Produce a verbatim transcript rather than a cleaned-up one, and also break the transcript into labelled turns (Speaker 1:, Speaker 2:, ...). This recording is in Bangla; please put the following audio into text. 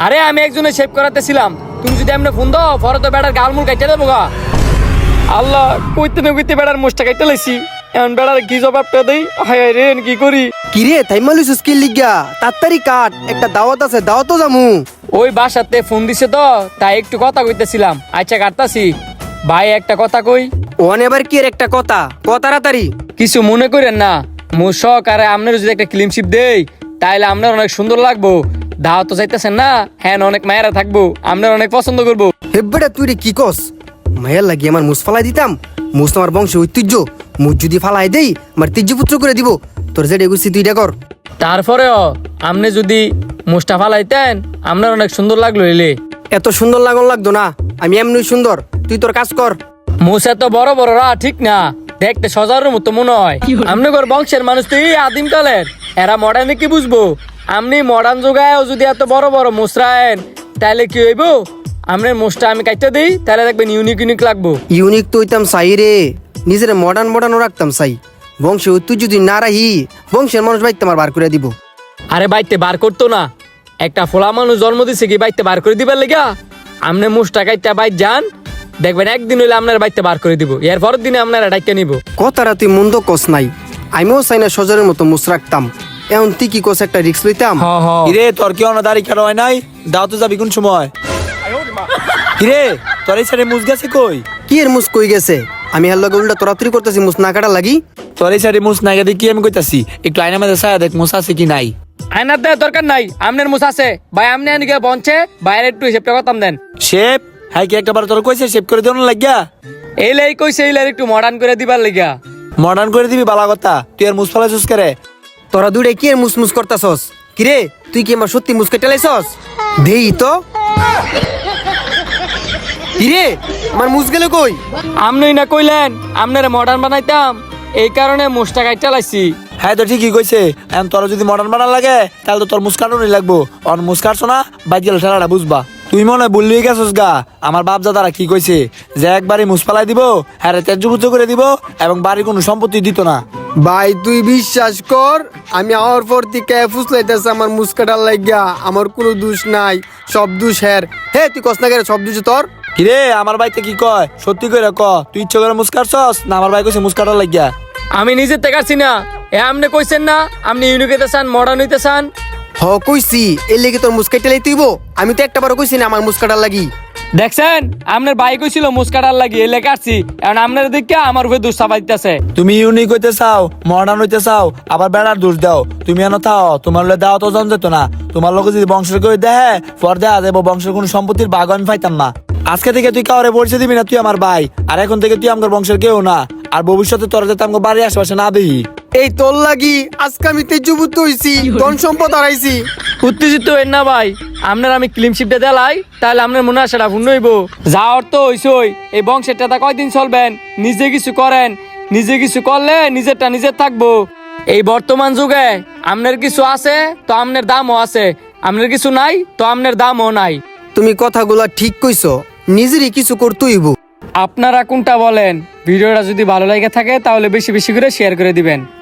Speaker 1: আরে আমি একজনে শেভ করাতেছিলাম, তুমি যদি এমনি ফোন দাও পরে তো বেড়ার গাল মুল কাইতে দেবো গা। আল্লাহ কইতে না কইতে বেড়ার মুছটা কাইতে লাইছি, এখন বেড়ার কি জবাবটা দেই? হায় রে কি করি?
Speaker 2: কিরে থাইমালুস স্কিল লিগা তাড়াতাড়ি কাট, একটা দাওয়াত আছে, দাওয়াতও যামু।
Speaker 1: ওই বাসাতে ফোন দিছে তো তাই একটু কথা কইতেছিলাম। আচ্ছা কাটতাছি। ভাই একটা কথা কই।
Speaker 2: ওন এবার কি এর একটা কথা ক তাড়াতাড়ি।
Speaker 1: কিছু মনে করেন না, মুশক আরে আপনার যদি একটা ক্লিনশিপ দেই তাইলে আপনার অনেক সুন্দর লাগবো। দাও তো চাইতেছেন না, হ্যাঁ অনেক মায়েরা থাকবো, আপনার অনেক পছন্দ করবো।
Speaker 2: হেব্বেটা তুই রে কি কস? মায়ের লাগি আমার মুস ফালাই দিতাম, মুস আমার বংশ ঐতিহ্য, মুস যদি ফালাই দেই আমার তিজ্য পুত্র করে দিব। তোর যেটা গুছি তুই এটা কর।
Speaker 1: তারপরেও আপনি যদি মুস্টা ফালাইতেন আপনার অনেক সুন্দর লাগলো। এলে
Speaker 2: এত সুন্দর লাগন লাগতো না, আমি এমনি সুন্দর, তুই তোর কাজ কর।
Speaker 1: মুস এত বড় বড় রা ঠিক না, দেখতে সজারের মতো মনে হয়। আপনার বংশের মানুষ তো এই আদিম কালের, এরা মডার্নে কি বুঝবো? আপনি মডার্ন যুগায়ও যদি এত বড় বড় মুসরায়েন তাহলে কি হইব? আপনার মুসটা আমি কাইতে দিই তাহলে দেখবেন ইউনিক ইউনিক লাগবো।
Speaker 2: ইউনিক তো হইতাম চাই রে, নিজের মডার্ন মডার্নও রাখতাম চাই। বংশে ঐতিহ্য যদি না রাহি বংশের মানুষ বাইতে আমার বার করে দিব।
Speaker 1: আরে বাইতে বার করতো না, একটা ফোলা মানুষ জন্ম দিছে কি বাইতে বার করে দিবার লেগা? আপনি মুসটা কাইতে বাইর যান, দেখবেন একদিন হইলে আপনার বাইতে বার করে দিব, এর পরের দিনে আপনারা ডাইকে নিব।
Speaker 2: কথাটা তুই মন্দ কস নাই, আমিও চাই না সজরের মতো মুস রাখতাম। এখন তুই কি কস একটা রিক্স লইতাম?
Speaker 1: হ হ
Speaker 3: কিরে তোর কি অনা দাড়ি কাটা হয় নাই? দাও তো যাবি কোন সময়? কিরে তোর এই সাইডে মুস গেছে কই?
Speaker 2: কি এর মুস কই গেছে? আমি হার লগে উল্টা তোরাতুরি করতেছি মুস না কাটা লাগি।
Speaker 3: তোর এই সাইডে মুস নাই গেছে কি আমি কইতাছি, একটু আয়না মাঝে ছায়া দেখ মুস আছে কি নাই।
Speaker 1: আয়নার দেওয়ার দরকার নাই, আপনার মুস আছে ভাই। আপনি আনিকে বঞ্চে বাইরে একটু হিসেবটা করতাম দেন।
Speaker 3: শেপ হ্যাঁ কি একটা বার তোর কইছে শেপ করে দেওয়ার লাগিয়া?
Speaker 1: এই লাই কইছে এই লাই একটু মডার্ন করে দিবার লেগা।
Speaker 3: মডার্ন করে দিবি বালা কথা, তুই আর মুস ফালাইছিস করে?
Speaker 2: তোরা দুইটা কি এর মুস মুস করতাছস? কিরে তুই কি আমার সত্যি মুস কেটে লাইছস? দেই তো। কিরে আমার মুস গেল কই?
Speaker 1: আপনি না কইলেন আপনারা মডার্ন বানাইতাম, এই কারণে মুসটা কাইটা লাইছি।
Speaker 3: হ্যাঁ তো ঠিকই কইছে, এখন তোর যদি মডার্ন বানান লাগে তাহলে তো তোর মুস্কানই লাগবো। অন মুস্কারছো না বাইক গেলে ঠেলাটা বুঝবা। তুই মনে হয় বললি গেছস গা, আমার বাপ দাদারা কি কইছে যে একবারই মুস ফালাই দিব, হ্যাঁ তেজ্য পুত্র করে দিব এবং বাড়ির কোনো সম্পত্তি দিত না।
Speaker 2: ভাই তুই বিশ্বাস কর, আমি আমার পর থেকে ফুসলাইতেছে আমার মুস কাটার লাগিয়া। আমার কোনো দোষ নাই, সব দোষ হের। হে তুই কস না কেন সব দোষ তোর?
Speaker 3: কিরে আমার ভাইতে কি কয় সত্যি করে ক, তুই ইচ্ছে করে মুস্কারছস না আমার ভাই কইছে মুস্কাটার লাগিয়া?
Speaker 1: আমি নিজে দেখাচ্ছি না, এ আপনি কইছেন না আপনি ইউনিক হইতে চান, মডার্ন হইতে চান।
Speaker 2: হ কইছি এর লেগে তোর মুস কেটে লাই তুইব। আমি তো একটা বারও কইছি না আমার মুস কাটার লাগি।
Speaker 1: দেখছেন আপনার ভাই কইছিল মুসকাটার লাগি, এলে কাটছি। এখন আপনার দিকে আমার উপরে দুঃ চাপাইতেছে।
Speaker 3: তুমি ইউনিক হইতে চাও, মডার্ন হইতে চাও, আবার বেড়ার দোষ দাও। তুমি এনে থাও, তোমার লোক দাও তো জন যেত না। তোমার লোক যদি বংশের করে দেহে পর দেয়া দেবো, বংশের কোনো সম্পত্তির ভাগ আমি পাইতাম না। আজকে থেকে তুই কাউরে পরিচয় দিবি না, তুই আমার ভাই। আর এখন থেকে তুই আমার বংশের কেউ না, আর ভবিষ্যতে তোর যাতে আমার বাড়ির আশেপাশে না দেখি।
Speaker 2: এই তোর লাগি আজকে আমি তেজপুত হইছি, ধন সম্পদ হারাইছি।
Speaker 1: উত্তেজিত হইন না ভাই, আপনার আমি ক্লিনশিপটা দেলাই তাহলে আপনার মনে আসাটা ভুল হইব। যা অর্থ হইসই এই বংশের টাকা কয়দিন চলবেন, নিজে কিছু করেন। নিজে কিছু করলে নিজেরটা নিজের থাকবো। এই বর্তমান যুগে আপনার কিছু আছে তো আপনার দামও আছে, আপনার কিছু নাই তো আপনার দামও নাই।
Speaker 2: তুমি কথাগুলা ঠিক কইছো, নিজেরই কিছু করতেইব।
Speaker 1: আপনারা কোনটা বলেন? ভিডিওটা যদি ভালো লাগে থাকে তাহলে বেশি বেশি করে শেয়ার করে দিবেন।